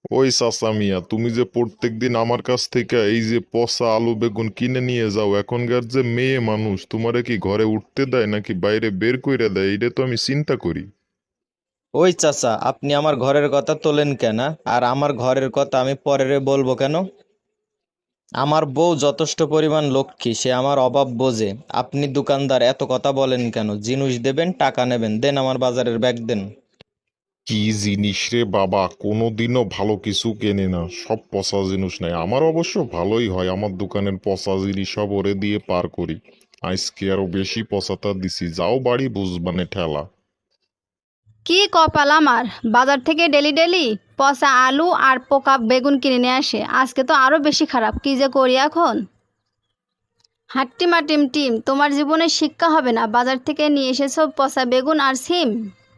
ওই চাচা মিয়া, তুমি যে প্রত্যেকদিন আমার কাছ থেকে এই যে পচা আলু বেগুন কিনে নিয়ে যাও, এখনকার যে মেয়ে মানুষ তোমারে কি ঘরে উঠতে দেয় নাকি বাইরে বের কইরা দেয়, এটা তো আমি চিন্তা করি। ওই চাচা, আপনি আমার ঘরের কথা তোলেন কেন? আর আমার ঘরের কথা আমি পরেরে বলবো কেন? আমার বউ যথেষ্ট পরিমাণ লক্ষ্মী, সে আমার অভাব বোঝে। আপনি দোকানদার, এত কথা বলেন কেন? জিনিস দেবেন, টাকা নেবেন, দেন আমার বাজারের ব্যাগ দেন। কি জিনিস রে বাবা, কোনোদিনও ভালো কিছু কেনে না, সব পচা জিনিস নেয়। আমার অবশ্য ভালোই হয়, আমার দোকানের পচা জিনিস সব ওরে দিয়ে পার করি। আজকে আরো বেশি পচাতা দিছি, যাও বাড়ি বুঝবানে ঠেলা। কি কপাল আমার, বাজার থেকে ডেলি ডেলি পচা আলু আর পোকা বেগুন কিনে নিয়ে আসে। আজকে তো আরো বেশি খারাপ, কি যে করি এখন। হাট্টিমা টিম টিম, তোমার জীবনে শিক্ষা হবে না? বাজার থেকে নিয়ে এসেছো পচা বেগুন আর সিম।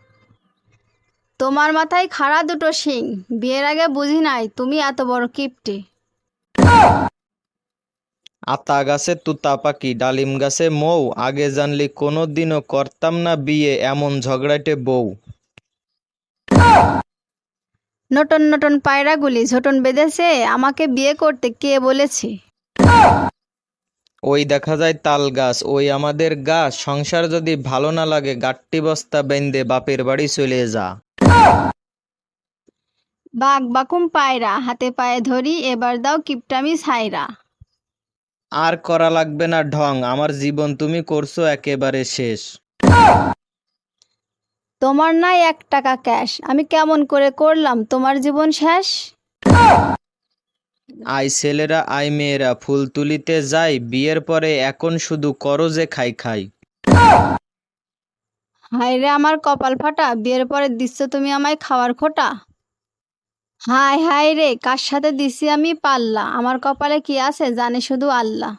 তোমার মাথায় খাড়া দুটো শিং, বিয়ের আগে বুঝি নাই তুমি এত বড় কিপটে। আতা গাছে তুতা পাখি, ডালিম গাছে মৌ, আগে জানলি কোনো দিনও করতাম না বিয়ে, এমন ঝগড়াটে বউ। নটন নটন পায়রাগুলি ঝোটন বেঁধেছে, আমাকে বিয়ে করতে কে বলেছে? ওই দেখা যায় তাল গাছ, ওই আমাদের গাছ। সংসার যদি ভালো না লাগে, গাট্টি বস্তা বেঁধে বাপের বাড়ি চলে যা। বাঘ বাকুম পায়রা, হাতে পায়ে ধরি, এবার দাও কিপটামি ছাইরা। আর করা লাগবে না ঢং, আমার জীবন তুমি করছো একেবারে শেষ। তোমার নাই 1 টাকা ক্যাশ, আমি কেমন করে করলাম তোমার জীবন শেষ? আই ছেলেরা আই মেয়েরা ফুল তুলিতে যাই, বিয়ের পরে এখন শুধু করো যে খাই খাই। হায় রে আমার কপাল ফাটা, বিয়ের পরে দিচ্ছ তুমি আমায় খাওয়ার খোটা। হায় হায় রে, কার সাথে দিছি আমি পাল্লা, আমার কপালে কি আছে জানে শুধু আল্লাহ।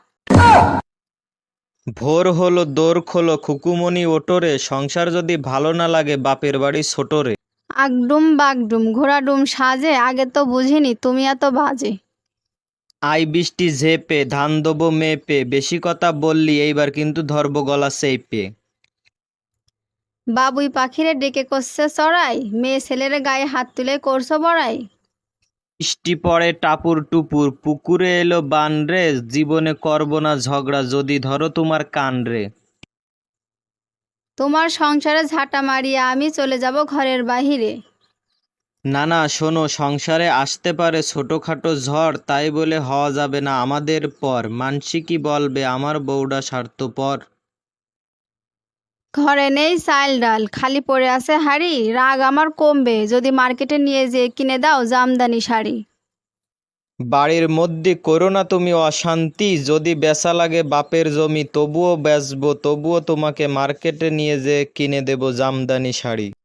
ভোর হলো দোর খোলো খুকুমনি ওটোরে, সংসার যদি ভালো না লাগে বাপের বাড়ি ছোটরে। আগডুম বাগডুম ঘোড়াডুম সাজে, আগে তো বুঝিনি তুমি এত বাজে। আই বৃষ্টি ঝেপে ধান দেবো মেপে, বেশি কথা বললি এইবার কিন্তু ধরবো গলা চেপে। বাবুই পাখিরে ডেকে করছে চড়াই, মেয়ে ছেলের গায়ে হাত তুলে করছো বড়াই। বৃষ্টি পড়ে টাপুর টুপুর, পুকুরে এলো বান রে, জীবনে করবো না ঝগড়া যদি ধরো তোমার কান রে। তোমার সংসারে ঝাঁটা মারিয়া আমি চলে যাব ঘরের বাহিরে। না না শোনো, সংসারে আসতে পারে ছোটখাটো ঝড়, তাই বলে হওয়া যাবে না আমাদের পর। মানসি কি বলবে আমার বউডা স্বার্থপর। ঘরে নেই চাল ডাল, খালি পড়ে আছে হাড়ি, রাগ আমার কমবে যদি মার্কেটে নিয়ে যেয়ে কিনে দাও জামদানি শাড়ি। বাড়ির মধ্যে করো না তুমি অশান্তি, যদি বেচা লাগে বাপের জমি তবুও বেচবো, তবুও তোমাকে মার্কেটে নিয়ে যে কিনে দেবো জামদানি শাড়ি।